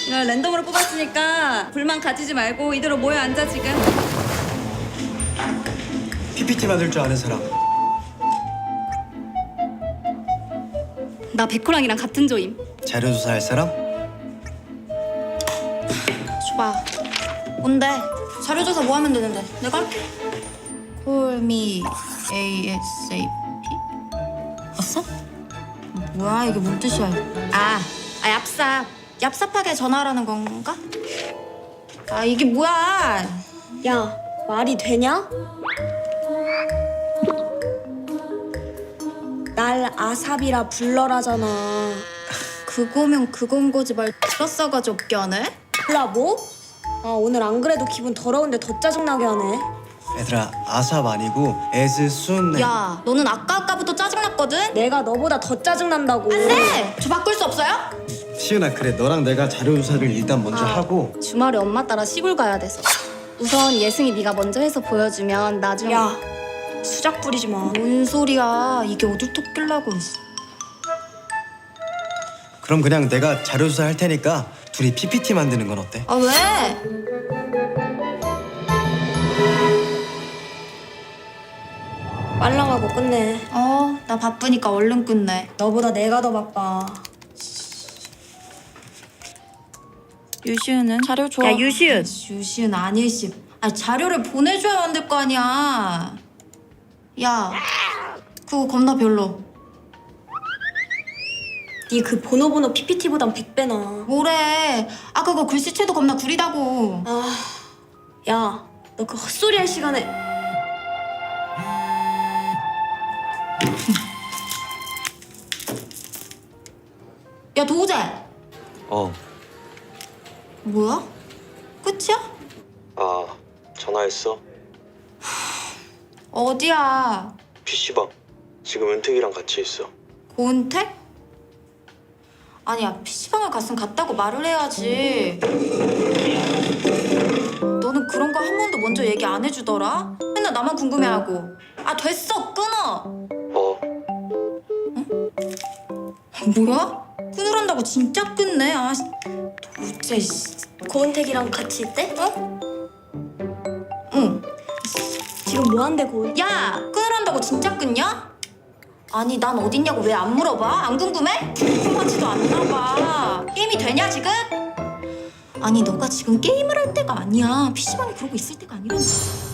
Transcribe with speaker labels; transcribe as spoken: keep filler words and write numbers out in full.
Speaker 1: 나 랜덤으로 뽑았으니까 불만 가지지 말고 이대로 모여 앉아 지금.
Speaker 2: 피피티 만들 줄 아는 사람.
Speaker 1: 나 백호랑이랑 같은 조임.
Speaker 2: 자료 조사할 사람?
Speaker 3: 줘봐. 뭔데? 자료조사 뭐 하면 되는데? 내가 할게. Call me 에이에스에이피? 왔어? 뭐야 이게 뭔 뜻이야? 아, 아 얍삽. 얍삽하게 전화하라는 건가? 아 이게 뭐야?
Speaker 4: 야, 말이 되냐? 날 아삽이라 불러라잖아.
Speaker 3: 그거면 그건 거지 말 X써가지고 없게 하네?
Speaker 4: 몰라 뭐? 아, 오늘 안 그래도 기분 더러운데 더 짜증나게 하네.
Speaker 2: 얘들아, 아삽 아니고 에즈순.
Speaker 3: 야, 너는 아까 아까부터 짜증났거든?
Speaker 4: 내가 너보다 더 짜증난다고.
Speaker 3: 네! 저 바꿀 수 없어요?
Speaker 2: 시은아, 그래 너랑 내가 자료 조사를 일단 먼저
Speaker 1: 아.
Speaker 2: 하고.
Speaker 1: 주말에 엄마 따라 시골 가야 돼서. 우선 예승이 네가 먼저 해서 보여주면 나중에.
Speaker 4: 야, 수작 부리지 마.
Speaker 3: 뭔 소리야? 이게 어딜 토끼려고.
Speaker 2: 그럼 그냥 내가 자료 조사 할 테니까 둘이 피피티 만드는 건 어때?
Speaker 3: 아 왜?
Speaker 4: 빨랑하고 끝내.
Speaker 3: 어, 나 바쁘니까 얼른 끝내.
Speaker 4: 너보다 내가 더 바빠.
Speaker 3: 유시은은 자료 줘.
Speaker 1: 야, 유시은.
Speaker 3: 유시은 아니시. 아 자료를 보내줘야 만들 거 아니야. 야, 그거 겁나 별로.
Speaker 4: 네 그 보노보노 피피티보단 백 배나.
Speaker 3: 뭐래? 아 그거 글씨체도 겁나 구리다고.
Speaker 4: 아, 야, 너 그 헛소리 할 시간에.
Speaker 3: 야 도우재.
Speaker 5: 어,
Speaker 3: 뭐야? 끝이야?
Speaker 5: 아, 전화했어?
Speaker 3: 어디야?
Speaker 5: 피시방. 지금 은택이랑 같이 있어.
Speaker 3: 고은택? 아니야 피시방을 갔으면 갔다고 말을 해야지. 너는 그런 거 한 번도 먼저 얘기 안 해주더라? 맨날 나만 궁금해하고. 아 됐어 끊어.
Speaker 5: 어,
Speaker 3: 뭐야? 끊으란다고 진짜 끊네. 아 도대체.
Speaker 4: 고은택이랑 같이 있대?
Speaker 3: 어? 응.
Speaker 4: 지금 뭐 한대 고은?
Speaker 3: 야 끊으란다고 진짜 끊냐? 아니 난 어딨냐고 왜 안 물어봐? 안 궁금해? 궁금하지도 않나 봐. 게임이 되냐 지금? 아니 너가 지금 게임을 할 때가 아니야. 피시방에 그러고 있을 때가 아니란다.